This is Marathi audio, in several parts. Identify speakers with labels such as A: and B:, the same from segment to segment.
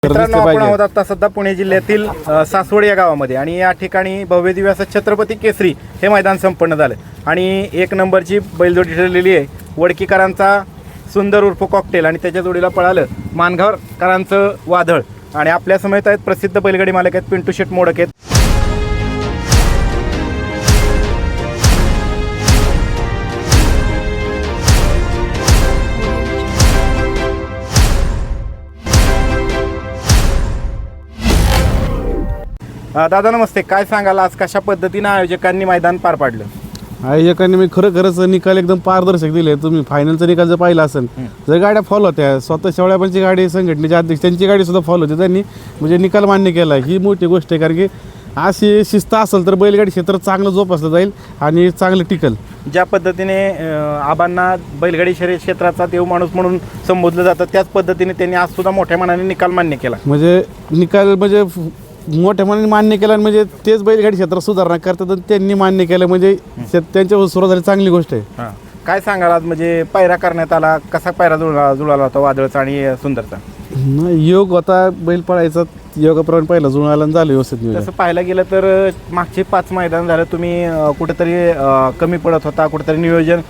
A: मित्रांनो, आपण आहोत आता सध्या पुणे जिल्ह्यातील सासवड या गावामध्ये आणि या ठिकाणी भव्य दिव्य असं छत्रपती केसरी हे मैदान संपन्न झालं आणि एक नंबरची बैलजोडी ठरलेली आहे. वडकीकरांचा सुंदर उर्फ कॉकटेल आणि त्याच्या जोडीला पळालं मानगावकरांचं वादळ. आणि आपल्या समेत आहेत प्रसिद्ध बैलगाडी मालक आहेत पिंटू शेट मोडक आहेत. दादा नमस्ते, काय सांगाल आज कशा पद्धतीने आयोजकांनी मैदान पार पाडलं?
B: आयोजकांनी मी खरंच निकाल एकदम पारदर्शक दिले. तुम्ही फायनलचा निकाल जर पाहिला असेल जर गाड्या फॉलो होत्या, स्वतः शेवळ्यापणची गाडी संघटनेचे अध्यक्ष त्यांची गाडी सुद्धा फॉलो होती, त्यांनी म्हणजे निकाल मान्य केला. ही मोठी गोष्ट आहे, कारण की अशी शिस्त असेल तर बैलगाडी क्षेत्र चांगलं जोपासलं जाईल आणि चांगलं टिकल.
A: ज्या पद्धतीने आबांना बैलगाडी शर्यत क्षेत्राचा देव माणूस म्हणून संबोधलं जातं, त्याच पद्धतीने त्यांनी आज सुद्धा मोठ्या मनाने निकाल मान्य केला.
B: म्हणजे निकाल म्हणजे मोठ्या मनाने मान्य केला, म्हणजे तेच बैलगाडी क्षेत्रात सुधारणा करतात आणि त्यांनी मान्य केलं, म्हणजे त्यांच्या सुरुवात झाली, चांगली गोष्ट आहे.
A: काय सांगाल आज म्हणजे पायरा करण्यात आला, कसा पायरा जुळाला होता वादळचा आणि सुंदरचा?
B: योग होता, बैल पळायचा योगाप्रमाणे पहिला जुळाला झालं व्यवस्थित.
A: तसं पाहायला गेलं तर मागचे 5 मैदान झालं तुम्ही कुठेतरी कमी पडत होता, कुठेतरी नियोजन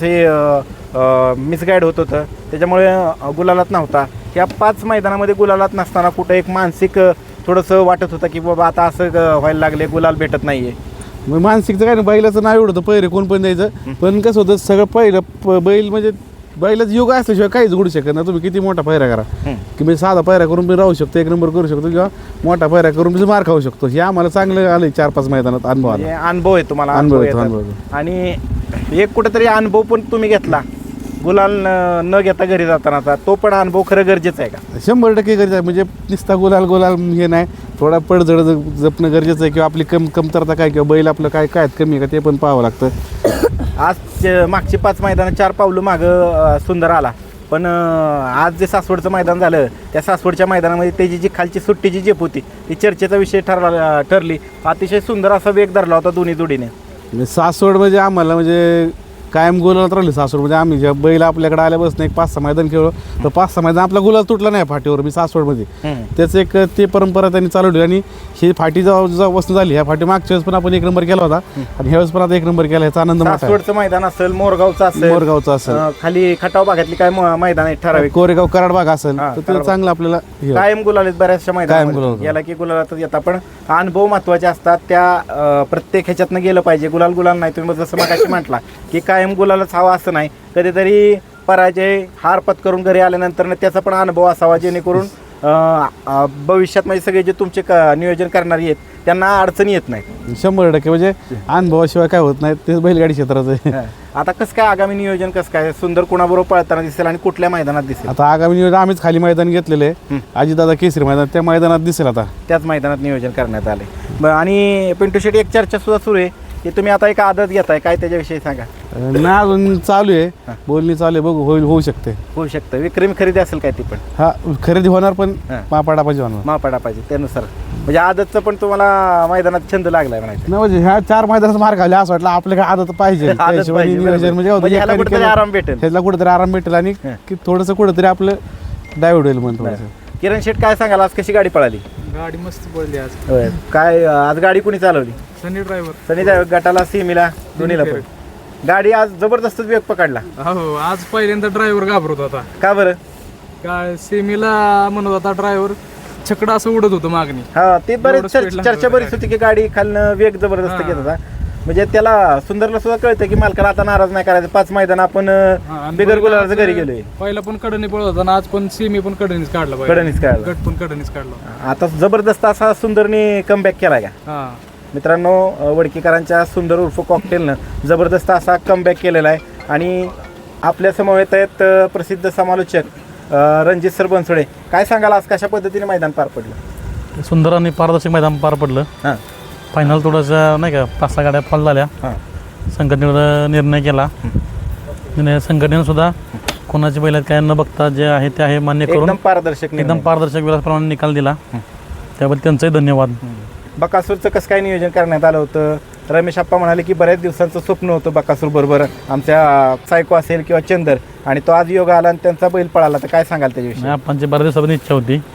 A: थोडंसं मिसगाईड होत होतं, त्याच्यामुळे गुलालात नव्हता. या 5 मैदानामध्ये गुलालात नसताना कुठं एक मानसिक थोडंसं वाटत होतं की बाबा आता असं व्हायला लागले, गुलाल भेटत नाहीये?
B: मग मानसिकचं काय नाही, बैलाचं नाव एवढं होतं पहिरे कोण पण द्यायचं, पण कसं होतं सगळं पहिलं बैल म्हणजे बैलाचं योग असल्याशिवाय काहीच घडू शकत नाही. तुम्ही किती मोठा पायरा करा की मी साधा पायरा करून मी राहू शकतो, एक नंबर करू शकतो, किंवा मोठा पायरा करून मी मार खाऊ शकतो. हे आम्हाला चांगलं आलं 4-5 मैदानात अनुभव आला.
A: अनुभव आहे तुम्हाला, अनुभव. आणि एक कुठेतरी अनुभव पण तुम्ही घेतला गुलाल न घेता घरी जातानाचा, तो पण अनुभव खरं गरजेचं आहे का?
B: 100% गरजेचं आहे. म्हणजे नुसता गुलाल हे नाही, थोडा पडझड जपणं गरजेचं आहे, किंवा आपली कमतरता काय, किंवा बैल आपलं काय काय कमी आहे का ते पण पाहावं लागतं.
A: आज मागची 5 मैदानं 4 पावलं मागं सुंदर आला, पण आज जे सासवडचं मैदान झालं त्या सासवडच्या मैदानामध्ये त्याची जी खालची सुट्टीची झेप होती ती चर्चेचा विषय ठरली. अतिशय सुंदर असा वेग धरला होता दोन्ही जोडीने.
B: सासवड म्हणजे आम्हाला म्हणजे कायम गुलालात राहिली सासवड. म्हणजे आम्ही जेव्हा बैल आपल्याकडे आल्यापासून एक 5-6 मैदान खेळलो, तर 5-6 मैदान आपला गुलाल तुटला नाही फाटीवर. मी सासवडमध्ये त्याचं एक ते परंपरा त्यांनी चालू ठेवली. आणि ही फाटी जेव्हा वस्तू झाली, ह्या फाटी मागच्या वेळेस पण आपण 1 नंबर केला होता आणि ह्यावेळेस पण आता 1 नंबर केला. ह्याचा आनंद मोठा.
A: सासवडचं मैदान असेल, मोरगावचं असेल, खाली खटाव भागातली काय मैदान आहे ठराविक,
B: कोरेगाव कराड भाग असेल, तर ते चांगलं आपल्याला
A: कायम गुलाल बऱ्याचशा मैदान याला की गुलालातच येतात. पण अनुभव महत्वाचे असतात, त्या प्रत्येक ह्याच्यातनं गेलं पाहिजे. गुलाल नाही, तुम्ही जसं मगाशी म्हटला की कायम गुलालच हवा असं नाही, कधीतरी पराजय हार पत्करून घरी आल्यानंतर त्याचा पण अनुभव असावा, जेणेकरून भविष्यात म्हणजे सगळे जे तुमचे नियोजन करणारे आहेत त्यांना अडचणी येत नाही.
B: 100% म्हणजे अनुभवाशिवाय काय होत नाही, ते बैलगाडी क्षेत्राचं आहे.
A: आता कसं काय आगामी नियोजन कसं काय सुंदर कुणाबरोबर पळताना दिसेल आणि कुठल्या मैदानात दिसेल?
B: आता आगामी नियोजन आम्हीच खाली मैदान घेतलेले आहे, अजितदादा केसरी मैदान, त्या मैदानात दिसेल. आता
A: त्याच मैदानात नियोजन करण्यात आले. आणि पिंटू शेट, एक चर्चा सुद्धा सुरू आहे की तुम्ही आता एक आदत घेताय, काय त्याच्याविषयी सांगा?
B: ना अजून चालू आहे, बोलणी चालू आहे, बघू होऊ शकतं. विक्रमी खरेदी असेल काय ती पण? हा, खरेदी होणार, पण मापाडा पाहिजे त्यानुसार. म्हणजे आदतचं पण तुम्हाला मैदानात छंद लागलाय म्हणायचं ना? म्हणजे ह्या 4 मैदानात मार खाल्ले असं वाटलं आपल्याला आदत पाहिजे,
A: म्हणजे ह्याला कुठेतरी आराम
B: भेटेल आणि थोडंसं कुठेतरी आपलं डायव्हर्ट होईल म्हणून.
A: किरण शेट, काय सांगाल आज कशी गाडी पळाली?
C: गाडी मस्त पडली आज.
A: काय आज गाडी कुणी चालवली?
C: सनी ड्रायव्हर
A: गटाला सीमीला दोन्हीला पण गाडी आज जबरदस्त वेग पकडला.
C: हो, आज पहिल्यांदा ड्रायव्हर घाबरत होता.
A: का बरं?
C: काय सीमीला म्हणत होता ड्रायव्हर, छकडा असं उडत होतं मागणी.
A: हा, ते बरेच चर्चा बरीच होती की गाडी खालनं वेग जबरदस्त घेत होता. म्हणजे त्याला सुंदरला सुद्धा कळतं की मालकाला आता नाराज नाही करायचं. 5 मैदान आपण बिगर गुलालाचं घरी गेलोय.
C: पहिला पण कडनी पळत होता ना, आज पण सीमी पण कडनीच काढला, गट पण कडनीच काढला.
A: आता जबरदस्त असा सुंदरने कमबॅक केलाय का?
C: हा
A: मित्रांनो, वडकीकरांच्या सुंदर उर्फ कॉकटेलनं जबरदस्त असा कमबॅक केलेला आहे. आणि आपल्या समवेत आहेत प्रसिद्ध समालोचक रणजित सर बनसोडे. काय सांगाल आज कशा पद्धतीने मैदान पार पडलं?
D: सुंदर आणि पारदर्शक मैदान पार पडलं.
A: हां,
D: फायनल थोडंसं नाही का 5-6 गाड्या फॉल झाल्या. संघटनेनं निर्णय केला. संघटनेनं सुद्धा कोणाची बैलात काय न बघता जे आहे ते आहे मान्य करून
A: एकदम पारदर्शक
D: विलासप्रमाणे निकाल दिला. त्याबद्दल त्यांचंही धन्यवाद.
A: बकासूरचं कसं काय नियोजन करण्यात आलं होतं? रमेश आप्पा म्हणाले की बऱ्याच दिवसांचं स्वप्न होतं बकासूर बरोबर आमच्या सायको असेल किंवा चंदर, आणि तो आज योग आला आणि त्यांचा बैल पळाला, तर काय सांगाल त्याच्याविषयी?
D: आप्पांची बऱ्याच दिवसापासून इच्छा होती.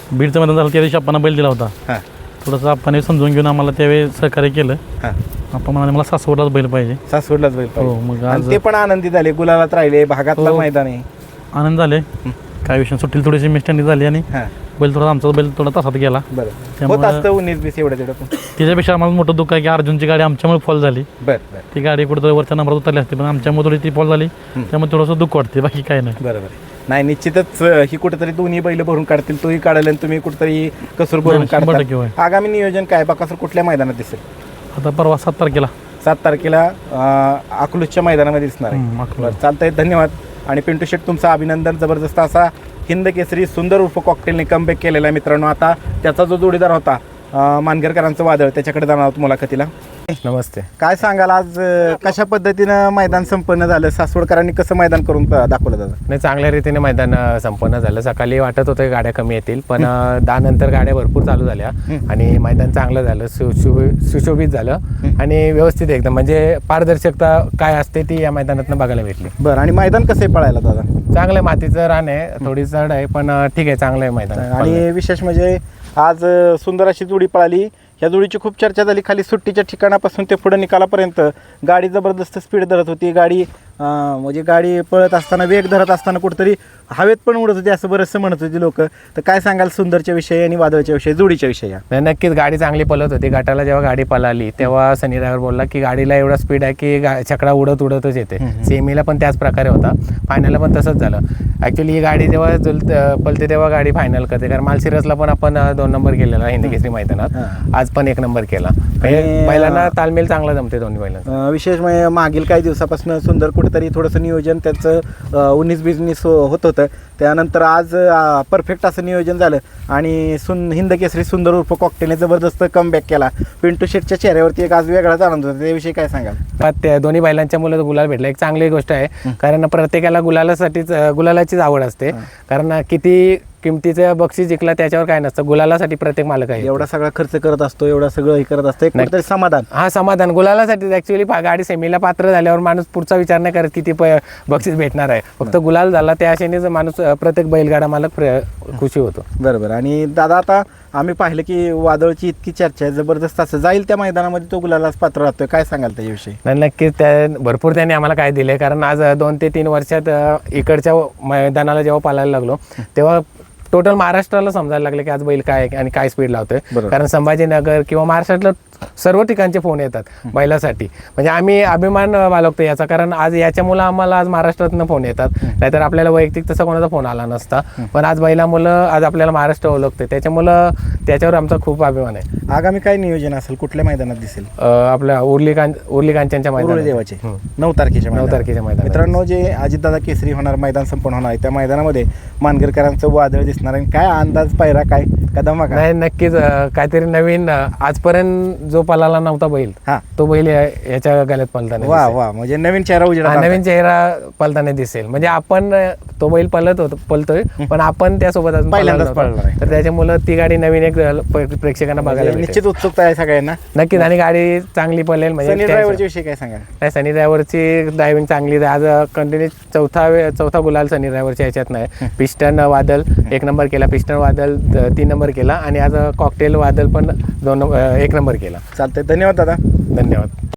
D: बीडचं मैदान झालं त्या दिवशी आपण बैल दिला होता.
A: हां
D: थोडंसं आपण समजून घेऊन आम्हाला त्यावेळी सहकार्य केलं.
A: हां
D: आपण म्हणाले मला सासवडलाच बैल पाहिजे.
A: सासवडलाच बैल
D: हो
A: पाहिजे.
D: मग
A: आणि
D: आज
A: ते पण आनंदी झाले, गुलालात राहिले, भागातलं
D: हो.
A: मैदान आहे.
D: आनंद झाले. काय विषय सुट्टीला थोडीशी मिस्टँडिंग झाली आणि
A: हां
D: बैल थोडा आमचा बैल थोडा तासात गेला.
A: बरं होत
D: त्यामुळं
A: असतं 19-20 एवढं तेवढं पण.
D: त्याच्यापेक्षा आम्हाला मोठं दुःख आहे की अर्जुनची गाडी आमच्यामुळे फॉल झाली.
A: बरं
D: ती गाडी कुठं वरच्या नंबरात उतरली असते पण आमच्यामुळे थोडी ती फॉल झाली. त्यामुळे थोडंसं दुःख वाटते, बाकी काय नाही.
A: बरोबर. नाही निश्चितच ही कुठेतरी दोन्ही बैल भरून काढतील, तोही काढेल आणि तुम्ही कुठेतरी कसर भरून
D: 100% होय.
A: काढता. आगामी नियोजन काय बकासूर कुठल्या मैदानात दिसेल?
D: आता परवा 7 तारखेला
A: 7 तारखेला अकलूजच्या मैदानामध्ये दिसणार आहे.
D: अकलूज.
A: बरं, चालतंय, धन्यवाद. आणि पिंटू शेट तुमचं अभिनंदन. जबरदस्त असा हिंद केसरी सुंदर उर्फ कॉकटेलने कमबॅक केलेला आहे मित्रांनो. आता त्याचा जो जोडीदार होता मानगरकरांचं वादळ, त्याच्याकडे जाणार आहोत मुलाखतीला.
E: नमस्ते.
A: काय सांगाल आज कशा पद्धतीनं मैदान संपन्न झालं? सासवडकरांनी कसं मैदान करून दाखवलं दादा?
E: नाही, चांगल्या रीतीने मैदान संपन्न झालं. सकाळी वाटत होतं गाड्या कमी येतील, पण 10 नंतर गाड्या भरपूर चालू झाल्या आणि मैदान चांगलं झालं, सुशोभित झालं आणि व्यवस्थित एकदम, म्हणजे पारदर्शकता काय असते ती या मैदानातून बघायला भेटली.
A: बरं, आणि मैदान कसं आहे पळायला दादा?
E: चांगलं मातीचं रान आहे, थोडी चढ आहे, पण ठीक आहे, चांगलं आहे मैदान.
A: आणि विशेष म्हणजे आज सुंदर अशी जोडी पळाली. ह्या जोडीची खूप चर्चा झाली. खाली सुट्टीच्या ठिकाणापासून ते पुढे निकालापर्यंत गाडी जबरदस्त स्पीड धरत होती. गाडी म्हणजे गाडी पळत असताना, वेग धरत असताना कुठेतरी हवेत पण उडत होती असं बरंचसं म्हणत होती लोक. तर काय सांगाल सुंदरच्या विषयी आणि वादळच्या विषयी, जोडीच्या विषयी?
E: नाही, नक्कीच गाडी चांगली पळत होती. गटाला जेव्हा गाडी पळाली तेव्हा सनी ड्रायव्हर बोलला की गाडीला एवढा स्पीड आहे की छकडा उडतच येते. सेमीला पण त्याच प्रकारे होता, फायनलला पण तसंच झालं. ॲक्च्युली ही गाडी जेव्हा पळते तेव्हा गाडी फायनल करते, कारण मालसिरसला पण आपण 2 नंबर केलेला हिंद केसरी मैदानात, आज पण 1 नंबर केला. बैलांना तालमेल चांगला जमते दोन्ही बैलांना.
A: विशेष म्हणजे मागील काही दिवसापासून सुंदर कुठेतरी थोडंसं नियोजन त्याचं 19-20 होत होतं. त्यानंतर आज परफेक्ट असं नियोजन झालं आणि हिंद केसरी सुंदर उर्फ कॉकटेलने जबरदस्त कमबॅक केला. पिंटू शेटच्या चेहऱ्यावरती एक आज वेगळाच आनंद होता. त्याविषयी काय सांगाल?
E: त्या दोन्ही बैलांच्या मुलं गुलाल भेटला, एक चांगली गोष्ट आहे, कारण प्रत्येकाला गुलालाचीच आवड असते. कारण किती किमतीचं बक्षीस जिंकला त्याच्यावर काय नसतं, गुलालासाठी प्रत्येक मालक आहे.
A: एवढा सगळा खर्च करत असतो, एवढं सगळं हे करत असतं, एक कुठेतरी समाधान.
E: हा, समाधान गुलालासाठी. ॲक्च्युली गाडी सेमीला पात्र झाल्यावर माणूस पुढचा विचार नाही करत किती बक्षीस भेटणार आहे, फक्त गुलाल झाला त्या आशेनेच माणूस, प्रत्येक बैलगाडा मालक खुशी होतो.
A: बरोबर. आणि दादा आता आम्ही पाहिलं की वादळची इतकी चर्चा आहे, जबरदस्त असं जाईल त्या मैदानामध्ये तो गुलालाच पात्र राहतोय. काय सांगाल त्याच्याविषयी?
E: नाही, नक्कीच भरपूर त्यांनी आम्हाला काय दिले, कारण आज 2 ते 3 वर्षात इकडच्या मैदानाला जेव्हा पाळायला लागलो तेव्हा टोटल महाराष्ट्राला समजायला लागले की आज बैल काय आणि काय स्पीड लावतोय. कारण संभाजीनगर किंवा महाराष्ट्रातलं सर्व ठिकाणचे फोन येतात बैलासाठी, म्हणजे आम्ही अभिमान बाळगतो याचा, कारण आज याच्यामुळं आम्हाला आज महाराष्ट्रातनं फोन येतात, नाहीतर आपल्याला वैयक्तिक तसा कोणाचा फोन आला नसता. पण आज बैलामुळं आज आपल्याला महाराष्ट्र ओळखते, त्याच्यामुळं त्याच्यावर आमचा खूप अभिमान आहे.
A: आगामी काय नियोजन असेल, कुठल्या मैदानात दिसेल?
E: आपल्या उर्ली कांचनच्या मैदानात,
A: देवाचे 9 तारखेच्या
E: मैदानात.
A: मित्रांनो, जे अजितदादा केसरी होणार मैदान संपन्न होणार आहे त्या मैदानामध्ये मानगरकरांचं वादळ दिसणार आहे. काय अंदाज, पायरा काय, कदम?
E: नाही, नक्कीच काहीतरी नवीन, आजपर्यंत जो पळाला नव्हता बैल,
A: हा,
E: तो बैल याच्या गाल्यात पळताना.
A: वा वा, म्हणजे नवीन चेहरा उजेडा,
E: नवीन चेहरा पळताना दिसेल. म्हणजे आपण तो बैल पळतोय पण आपण त्यासोबत
A: पहिल्यांदाच पळणार आहे,
E: तर त्याच्यामुळे ती गाडी नवीन एक प्रेक्षकांना बघायला भेटेल.
A: निश्चित उत्सुकता आहे सगळ्यांना.
E: नक्कीच, आणि गाडी चांगली पळेल.
A: सनी
E: म्हणजे
A: ड्रायव्हरच्या विषयी काय सांगा?
E: नाही, सनी ड्रायव्हरची ड्रायव्हिंग चांगली आहे. आज कंटिन्यू चौथा गुलाल सनी ड्रायव्हरच्या ह्याच्यात नाही. पिस्टन वादल 1 नंबर केला, पिस्टन वादल 3 नंबर केला आणि आज कॉकटेल वादल पण 1 नंबर केला.
A: चालतंय, धन्यवाद दादा.
E: धन्यवाद.